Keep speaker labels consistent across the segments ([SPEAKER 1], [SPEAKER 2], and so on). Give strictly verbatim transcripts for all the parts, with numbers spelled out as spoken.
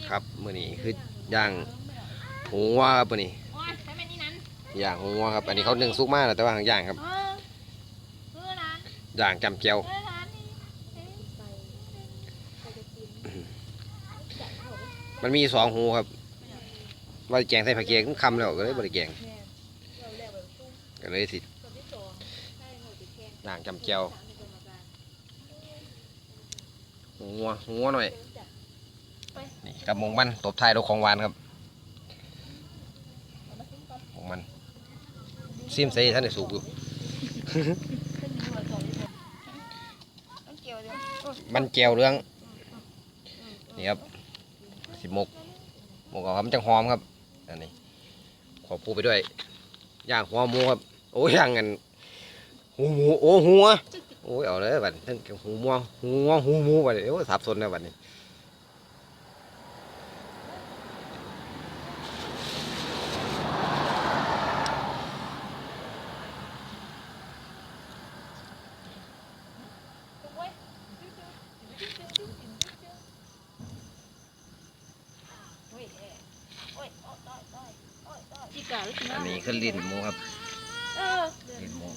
[SPEAKER 1] ครับมื้อนี้คือย่างหัวครับมื้อนี้ย่างหัวครับอันนี้เขานึ่งซุกมากแต่ว่าย่างครับย่างจำเจียวมันมีสองหูครับว่าแกงใส่ผักเกี๊ยวคำแล้วก็เลยบริแกงก็เลยสิย่างจำเจียวหัวหัวหน่อยนี่กับหมงมันตบท้ายด้วยของหวานครับของมันซิมใส่ท่านได้สุกอยู่ มันเจียวเรื่องนี่ครับสิหมกหมกเอาครับมันจังหอมครับอันนี้ขอพูไปด้วยย่างหัวหมูครับโอ้ยย่างกันหูหมูโอ้หัวโอ้ยเอาเลยบัดทั้งหูหมูหูหัวหูหมูบัดเดี๋ยวสับสนนะบัดนี้อันนี้คือลิ้นหมูครับลิ้นหมู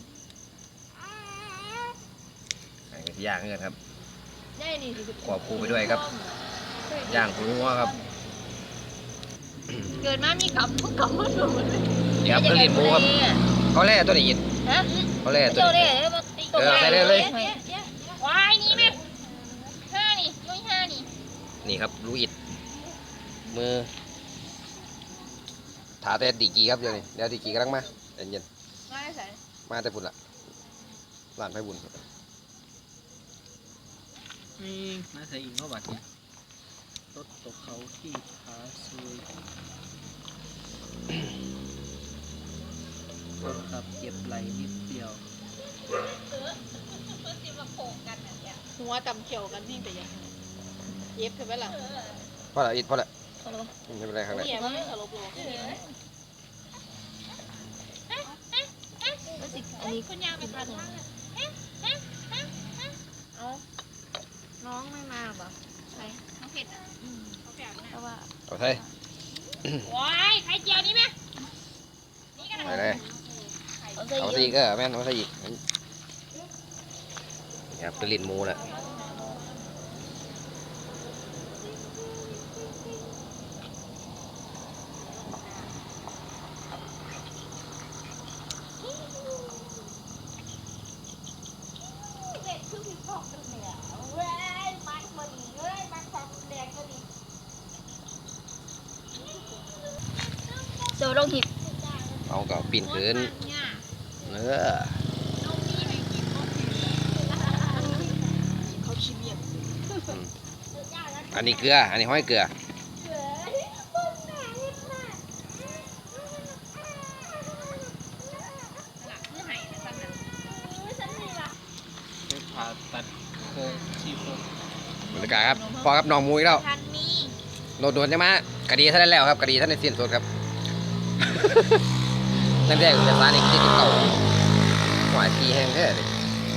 [SPEAKER 1] อันนี้ที่ย่างเงินครับขอพูไปด้วยครับย่างหัวครับ
[SPEAKER 2] เกิดมามีกับกับมือถือ
[SPEAKER 1] เดี๋ยวคือลิ้นหมูครับเขาแล่ตัวนี้ยินเขาแล่ตัวนี้เออใส่เลยเลยว
[SPEAKER 2] ายนี่แม่ห้านี่ยุ้ยห้านี่
[SPEAKER 1] นี่ครับรูอิดมือถาแต่ดีกีครับเดี๋ยวนี้เดี๋ยวดีกีกำลังมาเย็นเย็น
[SPEAKER 2] มาใส่
[SPEAKER 1] มาแต่บุญละร้านไฟบุญ
[SPEAKER 3] มีมาใส่อีกเมื่อวานเนี่ยรถตกเขาที่ขาซวยคนขับเจ็บไหลนิดเดียว
[SPEAKER 2] หัวตำเขียวกันนี่แต่ยังเย็บใช่ไหมล่ะ
[SPEAKER 1] พอละอิดพอละไม่เป็นไรครับเลย
[SPEAKER 2] เนี่ยมันไม่สลบหรอกอันนี้คุณยาไปทานเอาน้องไม่มาหรอใช่น้องเผ็ดอ่ะเขาแฝงนะเพราะว่า
[SPEAKER 1] เอาใส่
[SPEAKER 2] ว้ายไข่เจียวนี่ไหมนี่กัน
[SPEAKER 1] ใส่เลยเอาใส่อีกก็แม่นเอาใส่อีกนี่ครับเป็นลิ้นหมูแหละ
[SPEAKER 2] เดี๋ยวลงหิบ
[SPEAKER 1] เอากับปีนขึ้นเนื้อ
[SPEAKER 2] เขาชิมเยี่ยม
[SPEAKER 1] อันนี้เกลืออันนี้ห้อยเกลือ
[SPEAKER 3] ไปผ่าตัดโครงซี่โครง
[SPEAKER 1] บรรยากาศครับพอครับน้องมุ้ยแล้ว
[SPEAKER 2] ทันมี
[SPEAKER 1] โดนโดนใช่ไหมคดีท่านได้แล้วครับคดีท่านในสิ้นสุดครับ ตั้งแต่อุตสาหนี้ที่เก่าหวายทีแห้งแท้เลย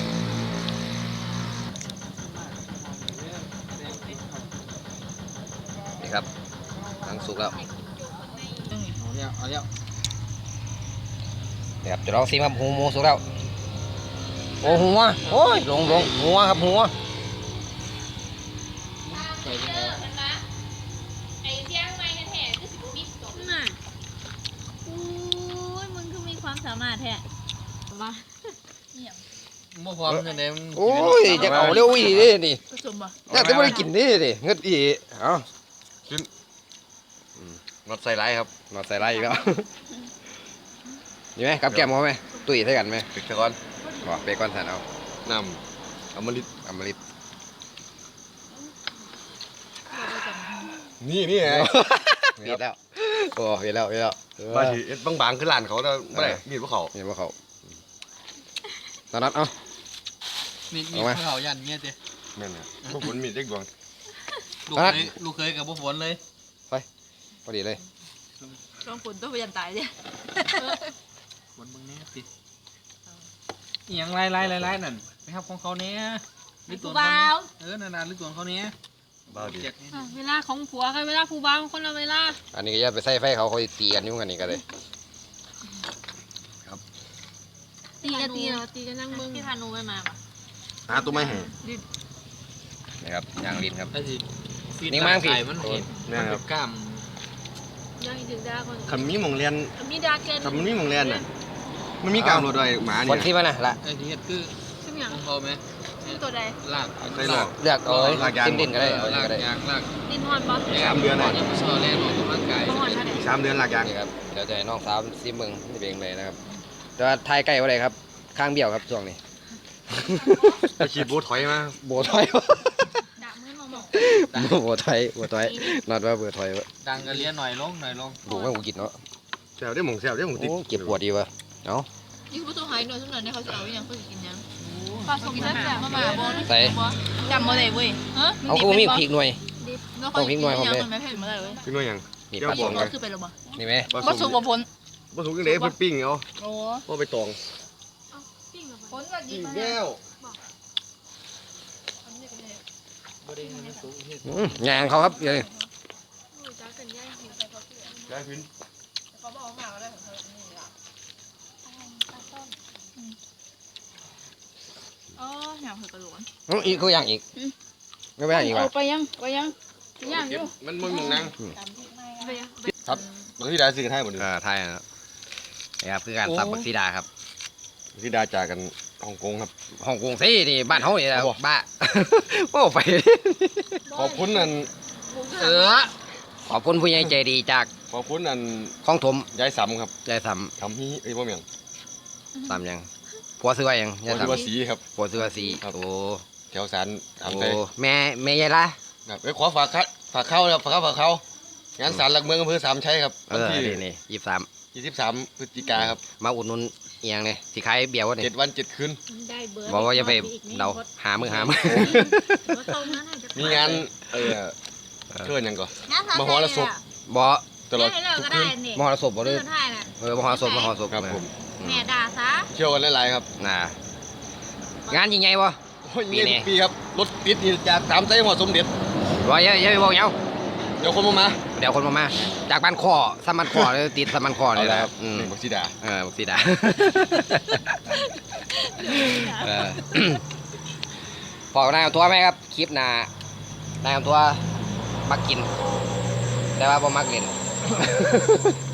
[SPEAKER 1] นี่ครับทั้งสุกแล้ว
[SPEAKER 3] เอาแล้วเอาแล้ว
[SPEAKER 1] นี่ครับจะลองซิมครับหูหมูสุกแล้วโอ้หัวโอ้ยลงลงหัวครับหัว
[SPEAKER 3] ใส่ไปแล้ว
[SPEAKER 2] ไอ้เสียงไม้กันแท้คือสิบบิสตกน่ะอุ้ยมึงคือมีความสามารถแท้มาเนี่ย
[SPEAKER 3] เมื่อพร้อมกันเลย
[SPEAKER 1] โอ้ยจะเอาเร็วอีดินี่
[SPEAKER 2] ผสมบ่
[SPEAKER 1] น่าจะไม่ได้กินดิดิเงืดอีเอากินนอดใส่ไรครับนอดใส่ไรอีกแล้ว นี่ไหมกับแก้มเขาไหมตุ้ยใส่กันไหมเปกก้อนบอกเปกก้อนทานเอานำอมฤตอมฤต
[SPEAKER 4] นี่นี่ไง
[SPEAKER 1] เห็นแล้วโอ้เห็นแล้วเห็นแล้ว
[SPEAKER 4] มาถือเอ็ดบางๆคือร้านเขาแต่ไม่ได้มีดพวกเขา
[SPEAKER 1] เห็นว่าเขาตอนนั้นเอ้า
[SPEAKER 3] มีมี
[SPEAKER 1] เอาไหม
[SPEAKER 3] เขายันเงี้ยเจ้
[SPEAKER 4] แม่นเนี่ยพวกผมมีดเด็กดวง
[SPEAKER 3] ลูก
[SPEAKER 1] เอา
[SPEAKER 3] เค
[SPEAKER 1] ละ
[SPEAKER 3] ยลูกเคยกับพวกฝนเลย
[SPEAKER 1] พอดีเลย
[SPEAKER 2] ลองฝนต้องไปยันตายเนี่ย
[SPEAKER 3] ฝนมึงเนี้ยติอหย่างไรไรไรไรนั่นไปครับของเขาเนี้ยหรือตัวเขาเนี้ยเออนานาหรือตัวเขาเนี้ย
[SPEAKER 1] อ
[SPEAKER 4] บ้าดี
[SPEAKER 3] เจ็ด
[SPEAKER 2] อ่ะเวลาของผัวกับเวลาผู้บ่าวคนละเวลา
[SPEAKER 1] อันนี้ก็อย่าไปใส่ไฟเขาเขาสิตีกันอยุ่งกันนี่ก็เลย
[SPEAKER 2] ตีกันตีเราตีกันนั่งเบิ้งที่พานุไปมาปะ
[SPEAKER 4] หาตัวไม่ให้
[SPEAKER 1] นะครับยางลิ้นครับ
[SPEAKER 3] ไอ้สิฟีด
[SPEAKER 1] นิ่งมากพี่
[SPEAKER 3] ไก่มันเห็นมันเป็นกล้าม
[SPEAKER 2] ยังอีกถึงดาคน
[SPEAKER 4] คันมีหมองเรียน
[SPEAKER 2] มีดาเกน
[SPEAKER 4] คันมันมีหมองเรียนน่ะมันมีกลางรถด้วยหมา
[SPEAKER 1] ค
[SPEAKER 4] เนี่
[SPEAKER 1] น
[SPEAKER 4] ย
[SPEAKER 1] ที่มันนะละ
[SPEAKER 3] ไอ้ที่เฮ็ดคือ
[SPEAKER 2] ซึ่งอย่าง
[SPEAKER 3] ของเขาไหม
[SPEAKER 2] ซึ่งตัวใด
[SPEAKER 3] ลาก
[SPEAKER 4] ใส่หลอก
[SPEAKER 1] เลือกเอา
[SPEAKER 4] ลากยาง
[SPEAKER 1] ดิ้นดิ้นก็ได้เอา
[SPEAKER 3] ลาก
[SPEAKER 1] ก็ได้
[SPEAKER 3] ยางลาก
[SPEAKER 2] ดินฮอนปะ
[SPEAKER 4] สามเดือนน่ะ
[SPEAKER 3] ยังไม่ชอบแล่นออกกำลังกาย
[SPEAKER 2] ฮอนท่าไหน
[SPEAKER 4] สามเดือนหลักยาง
[SPEAKER 1] นี่ครับเดี๋ยวจะให้น้องสาวซิมเบิงนี่เป็นยังไงนะครับแต่ว่าทายใกล้ว่าไรครับข้างเบี้ยวครับช่วงนี้
[SPEAKER 4] ไปฉีดโบถอยมา
[SPEAKER 1] โบถอย
[SPEAKER 2] ดามือมองมอง
[SPEAKER 1] โบถอยโบถอยนอดว่าเบอร์ถอยวะ
[SPEAKER 3] ดังกันเลี้ยหน่อยลงหน่อยลง
[SPEAKER 1] ดูว่ากูกินเนาะ
[SPEAKER 4] แซวได้หมองแซวได้หมองติด
[SPEAKER 1] โอ้เก็บปวดดีวะเนาะ
[SPEAKER 2] ยิ่งผู้ตัวหายหน่อยสักหน่อยเนี่ยเขาจะเอาอย่างเขาจะกินยังปลาสมแซ่บมามาบอล
[SPEAKER 1] ใส่
[SPEAKER 2] จำมาเลยเว้ยฮะ
[SPEAKER 1] เอากูมีพริกหน่วย
[SPEAKER 2] ต้องพริกหน่อยผมเลยไม่เผ็ดมาเลยเว้ย
[SPEAKER 4] พี่น้อยหยัง
[SPEAKER 1] นี่
[SPEAKER 4] เดี๋ยว
[SPEAKER 1] ปลา
[SPEAKER 4] บ
[SPEAKER 1] ส
[SPEAKER 4] อก
[SPEAKER 1] ม
[SPEAKER 4] ไง
[SPEAKER 2] คือเป็นหรอบ่
[SPEAKER 1] นี่ไหม
[SPEAKER 4] ปลา
[SPEAKER 2] บ่
[SPEAKER 4] สุ
[SPEAKER 2] สุ
[SPEAKER 4] ก
[SPEAKER 2] กบ่พ้น
[SPEAKER 4] ปลาสุกยังไงเพิ่นปิ้งเอา
[SPEAKER 2] โอ้
[SPEAKER 4] พ่อไปตอง
[SPEAKER 2] พ้นก็ดีมา
[SPEAKER 4] แก้ว
[SPEAKER 3] บริเวณสูงที่
[SPEAKER 1] อืมยางเขาครับเดี๋ยวนี้
[SPEAKER 4] ได้พิน
[SPEAKER 2] อ๋ออยากเผ็ดกระโดด
[SPEAKER 1] อื้ออีกก็ย่างอีกไม่ไปย่างอีกวะ
[SPEAKER 2] ไปยังไปยังย่างอยู่
[SPEAKER 4] มันมันหมองนั่ง
[SPEAKER 2] ไปยัง
[SPEAKER 4] บางทีได้ซื้อกันให้หมดเลย
[SPEAKER 1] อ่าไทยนะครับนี่ครับคือการสับบักซีดาครับ
[SPEAKER 4] ที่ได้จากกันฮ่องกงครับ
[SPEAKER 1] ฮ่องกงซีนี่บ้านเฮานี่แหละ
[SPEAKER 4] เอาบ่
[SPEAKER 1] บ้า ว่าไป
[SPEAKER 4] ขอบคุณอัน
[SPEAKER 1] เออขอบคุณผู้ใหญ่ใจดีจาก
[SPEAKER 4] ขอบคุณอัน
[SPEAKER 1] คลองถม
[SPEAKER 4] ยายสำครับ
[SPEAKER 1] ยายส
[SPEAKER 4] ทำฮีเอ้ยบ่แม่น
[SPEAKER 1] ำสามยังผัวซื้อไว้ยัง
[SPEAKER 4] พ
[SPEAKER 1] ยาย
[SPEAKER 4] อที่ว่า
[SPEAKER 1] สำ
[SPEAKER 4] สีครับ
[SPEAKER 1] ผัวซื้อไว้สี
[SPEAKER 4] ครับ
[SPEAKER 1] โอ้
[SPEAKER 4] แถวสารถาม
[SPEAKER 1] โอ้
[SPEAKER 4] ใจ
[SPEAKER 1] แม่แม่ยายละ
[SPEAKER 4] ครับเอ้ยขอฝากครับฝากเข้าครับฝากเข้าฝากเข้างานศาลหลักเมืองอำเภอสามชัยครับ
[SPEAKER 1] เอ
[SPEAKER 4] วัน
[SPEAKER 1] อ
[SPEAKER 4] ที่
[SPEAKER 1] นี่นี่ยี่สิบสาม
[SPEAKER 4] ยี่สิบสามพฤศจิกาครับ
[SPEAKER 1] มาอุดหนุนเอียงเนี่ยสิขายเบียร์วะนี่
[SPEAKER 4] เจ็ดวันเจ็ดคืน
[SPEAKER 2] ได้เบอร์
[SPEAKER 1] บอกว่าอย่าไปเดาหามือหามือ
[SPEAKER 4] มีงานเออเชิญยังก่อน มหรสพ
[SPEAKER 1] บ่
[SPEAKER 4] ตลอด
[SPEAKER 2] ได้เลิก
[SPEAKER 4] ทุก
[SPEAKER 2] ก็
[SPEAKER 4] คื
[SPEAKER 2] ได้
[SPEAKER 4] น
[SPEAKER 2] นี่
[SPEAKER 1] มหรสพบ่หรือ
[SPEAKER 2] เลิกได้น่ะ
[SPEAKER 1] เออมหรสพมหรสพ
[SPEAKER 4] ครับผม
[SPEAKER 2] แม่ด่าซะ
[SPEAKER 4] เที่ยวกันหลายๆครับ
[SPEAKER 1] น่ะงานยิ่งใหญ่บ่
[SPEAKER 4] โอ้ย
[SPEAKER 1] ปี
[SPEAKER 4] มี
[SPEAKER 1] นี้
[SPEAKER 4] ทุกปีครับรถติดนี่จากสามไซหอดสมเด็จ
[SPEAKER 1] ว่าอย่าอย่าไปบอกเหงา
[SPEAKER 4] เดี๋ยวคนมามา
[SPEAKER 1] เดี๋ยวคนมามาจากบ้านคอซ้ำบ้านคอเลยติดซ้ำบ้านคอเลยนะครับอืม
[SPEAKER 4] หนึ่งบักซีดา
[SPEAKER 1] เออบักสีดา เออ พอกนายเอาตัวไหมครับ คลิปหน้านายเอาตัวมักกิน แต่ว่าบ่มักเล่น